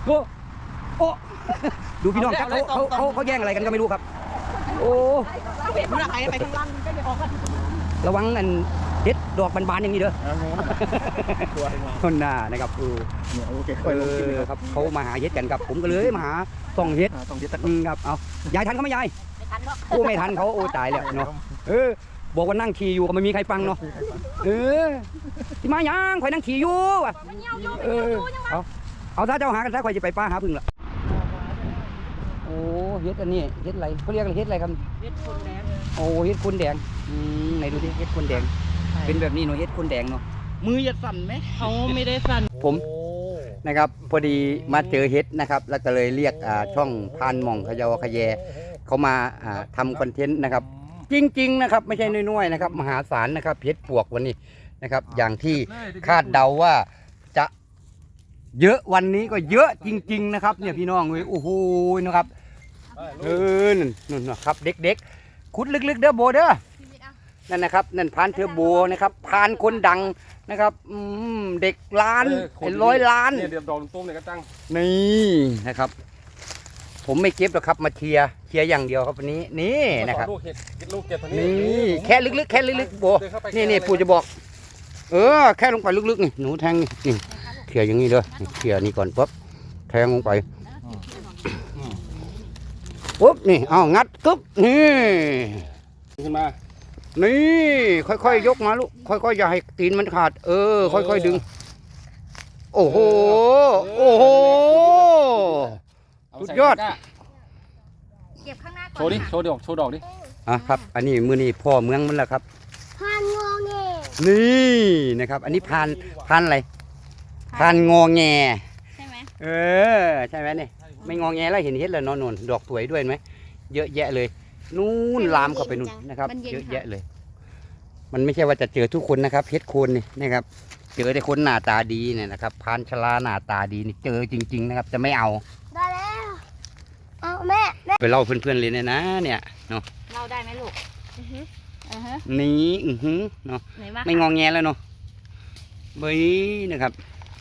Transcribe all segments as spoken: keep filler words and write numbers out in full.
โอ้โอ้ดูพี่น้องครับเขาเขาเขาเขาแย่งอะไรกันก็ไม่รู้ครับโอ้ระวังอันเด็ดดอกบานๆอย่างนี้เด้อคนหน้านะครับเออเออครับเขามาหาเห็ดกันครับผมก็เลยมาหาส่องเห็ดครับเอายายทันเขาไหมยายโอ้ไม่ทันเขาโอ้ตายแล้วเนาะเออบอกว่านั่งขี่อยู่ก็ไม่มีใครฟังเนาะเออที่มายังข่อยนั่งขี่อยู่ว่ะเออเอาเอาถ้าเจ้าหากันถ้าข่อยจะไปป้าหาพึ่งละโอ้เฮ็ดอันนี้เฮ็ดอะไรเขาเรียกอะไรเฮ็ดอะไรครับเฮ็ดคนแดงโอ้เฮ็ดคนแดงอืมไหนดูดิเฮ็ดคนแดงเป็นแบบนี้เนาะเฮ็ดคนแดงเนาะมือจะสั่นไหมเขาไม่ได้สั่นผมนะครับพอดีมาเจอเฮ็ดนะครับแล้วก็เลยเรียกช่องพานหม่องขยาวขยแยเขามาทำคอนเทนต์นะครับจริงๆนะครับไม่ใช่น้อยๆนะครับมหาศาลนะครับเฮ็ดปวกวันนี้นะครับอย่างที่คาดเดาว่าจะเยอะวันนี้ก็เยอะจริงๆนะครับเนี่ยพี่น้องเลยโอ้โหนะครับเออนั่นนั่นนะครับเด็กๆขุดลึกๆเด้อโบเด้อนั่นนะครับนั่นพานเทอร์โบนะครับพานคนดังนะครับเด็กล้านเป็นร้อยล้านเนี่ยเดี๋ยวดอกตุ้มเนี่ยก็ตั้งนี่นะครับผมไม่เก็บหรอกครับมาเชียร์เชียร์อย่างเดียวครับวันนี้นี่นะครับลูกเห็ดลูกเก็บทางนี้นี่แค่ลึกๆแค่ลึกๆโบนี่นี่ปู่จะบอกเออแค่ลงไปลึกๆนี่หนูแทงนี่เขี่ยอย่างนี้เลยเขี่ยนี่ก่อนปุ๊บแทงลงไปปุ๊บนี่เอางัดกึ๊บนี่ขึ้นมานี่ค่อยๆยกมาลูกค่อยๆอย่าให้ตีนมันขาดเออค่อยๆดึงโอ้โหโอ้โหสุดยอดเก็บข้างหน้าก่อนโชว์ดิโชว์ดอกโชว์ดอกดิอ่ะครับอันนี้มือนี่พ่อเมืองมันแหละครับพานงอแงนี่นะครับอันนี้พานพานอะไรพานงอแงใช่ไหมเออใช่ไหมนี่ไม่งอแงแล้วเห็นเห็ดเลยนอนนวลดอกสวยด้วยไหมเยอะแยะเลยนู่นลามเข้าไปนู่นนะครับเยอะแยะเลยมันไม่ใช่ว่าจะเจอทุกคนนะครับเห็ดโคนนี่นะครับเจอแต่คนหน้าตาดีเนี่ยนะครับพานชลาหน้าตาดีนี่เจอจริงๆนะครับจะไม่เอาได้แล้วเอาแม่ไปเล่าเพื่อนๆเลยเนี่ยนะเนี่ยเนาะเล่าได้ไหมลูกนี่อือหือเนาะไม่งอแงแล้วเนาะเบ้ยนะครับ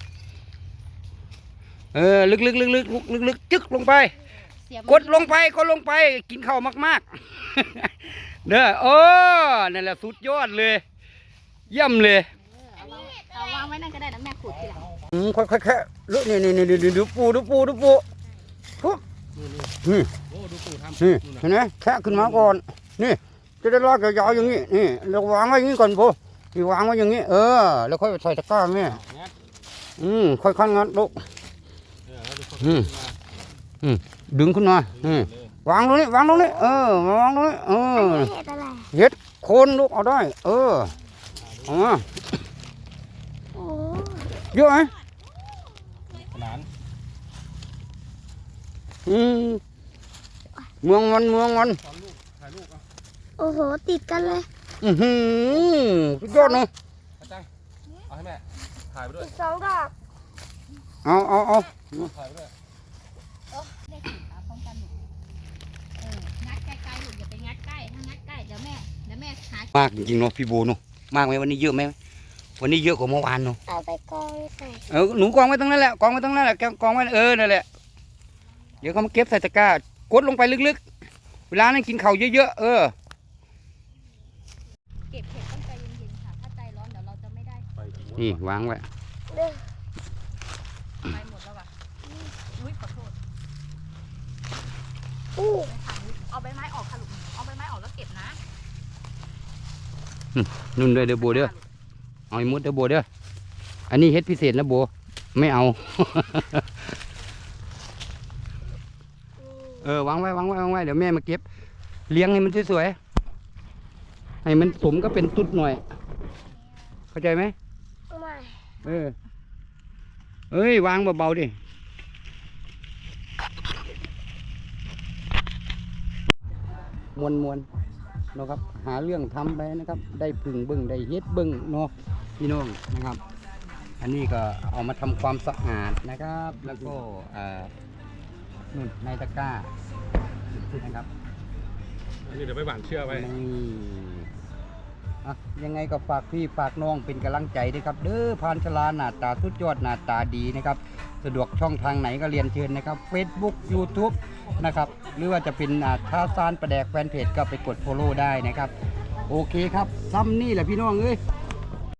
เออลึกๆลึกๆลึกๆจึ๊กลงไปกดลงไปก็ลงไปกินข้าวมากๆเด้อโอ้นั่นแหละสุดยอดเลยเยี่ยมเลยเอาวางไว้นั่นก็ได้นะแม่ขุดทีหลังอืมค่อยๆแค่ลุนี่นี่นี่ดูปูดูปูดูปูปุ๊บนี่นี่เห็นไหมแค่ขึ้นมาก่อนนี่จะได้ลากยาวๆอย่างนี้นี่เราวางไว้อย่างนี้ก่อนปูนี่วางไว้อย่างนี้เออแล้วค่อยใส่ตะกร้าแม่อืมค่อยๆงัดลูกอืมอืมดึงขึ้นมาอืมวางตรงนี้วางตรงนี้เออวางตรงนี้เออเห็ดโคนลูกเอาได้เออเอามาเยอะไหมอืมเมืองมันเมืองมันโอ้โหติดกันเลยอือหือสุดยอดเนาะเอาให้แม่ถ่ายไปด้วยสองดอกเอาเอาเอาถ่ายไปด้วยได้ถึงตาป้องกันหนูเอองัดใกล้ๆหนูอย่าไปงัดใกล้ถ้างัดใกล้เดี๋ยวแม่เดี๋ยวแม่หามากจริงๆเนาะพี่โบเนาะมากไหมวันนี้เยอะไหมวันนี้เยอะกว่าเมื่อวานเนาะเอาไปกองใส่เออหนูกองไว้ตรงนั้นแหละกองไว้ตรงนั้นแหละกองไว้เออนั่นแหละเดี๋ยวเขามาเก็บใส่ตะกร้ากดลงไปลึกๆเวลานั้นกินข้าวเยอะๆเออเก็บเห็ดต้องใจเย็นๆค่ะถ้าใจร้อนเดี๋ยวเราจะไม่ได้นี่วางไว้ไปหมดแล้วว่ะอุ้ยขอโทษอู้เอาใบไม้ออกค่ะลูกเอาใบไม้ออกแล้วเก็บนะนุ่นด้วยเด้อโบเด้อเอาไอ้มุดเด้อโบเด้ออันนี้เฮ็ดพิเศษนะโบไม่เอาเออวางไว้วางไว้วางไว้เดี๋ยวแม่มาเก็บเลี้ยงให้มันสวยๆให้มันสมก็เป็นตุ๊ดหน่อยเข้าใจไหมไม่เออเอ้ยวางเบาๆดิมวนมวนนะครับหาเรื่องทำไปนะครับได้พึ่งบึ้งได้เฮ็ดบึ้งเนาะพี่น้องนะครับอันนี้ก็เอามาทำความสะอาดนะครับแล้วก็นู่นในตะกร้านะครับอันนี้เดี๋ยวไปหว่านเชือกไว้นี่อ่ะยังไงก็ฝากพี่ฝากน้องเป็นกำลังใจด้วยครับเด้อพานชลาหน้าตาสุดยอดหน้าตาดีนะครับสะดวกช่องทางไหนก็เรียนเชิญนะครับ Facebook YouTube นะครับหรือว่าจะเป็นอ่าท่าซานประแดกแฟนเพจก็ไปกด Follow ได้นะครับโอเคครับซ้ำนี่แหละพี่น้องเอ้ย